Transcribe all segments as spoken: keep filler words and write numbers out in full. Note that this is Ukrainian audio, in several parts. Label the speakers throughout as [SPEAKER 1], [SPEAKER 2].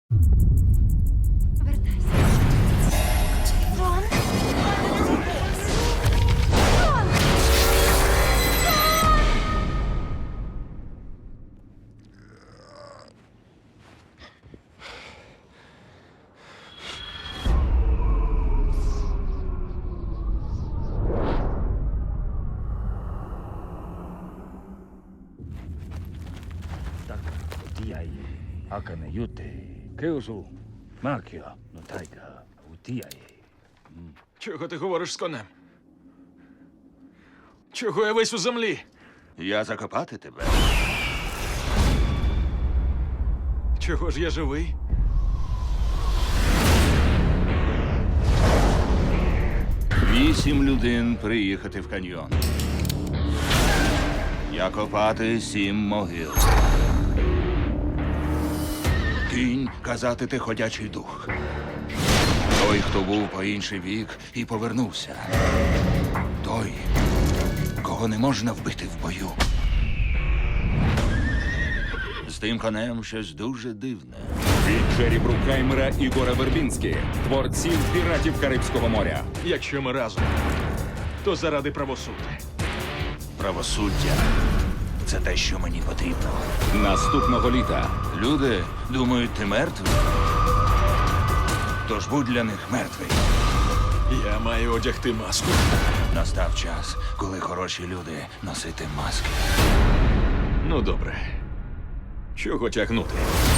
[SPEAKER 1] Вертайся. Джон? Джон!
[SPEAKER 2] Так, утіяє, акане юте, кеосу, макіо, но тайка, утіяє.
[SPEAKER 3] Чого ти говориш з конем? Чого я весь у землі?
[SPEAKER 4] Я закопати тебе.
[SPEAKER 3] Чого ж я живий?
[SPEAKER 4] Вісім людей приїхати в каньйон. Я копати сім могил. Кінь казати ти ходячий дух. Той, хто був по інший бік і повернувся. Той, кого не можна вбити в бою. З тим конем щось дуже дивне.
[SPEAKER 5] Від Джері Брукхаймера і Гора Вербінські, творців піратів Карибського моря.
[SPEAKER 3] Якщо ми разом, то заради правосуддя.
[SPEAKER 4] Правосуддя – це те, що мені потрібно.
[SPEAKER 5] Наступного літа
[SPEAKER 4] Люди думають, ти мертвий. Тож будь для них мертвий.
[SPEAKER 3] Я маю одягти маску.
[SPEAKER 4] Настав час, коли хороші люди носити маски.
[SPEAKER 3] Ну, добре. Чого тягнути?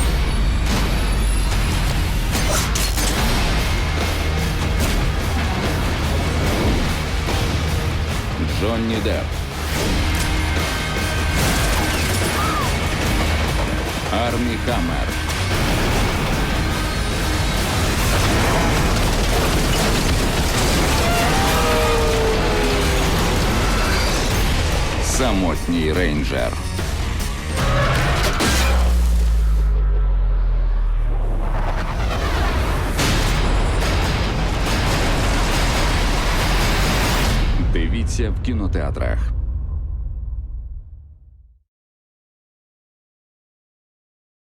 [SPEAKER 5] Джонні Депп, Армі Хаммер, Самотній рейнджер. Дивіться в кінотеатрах.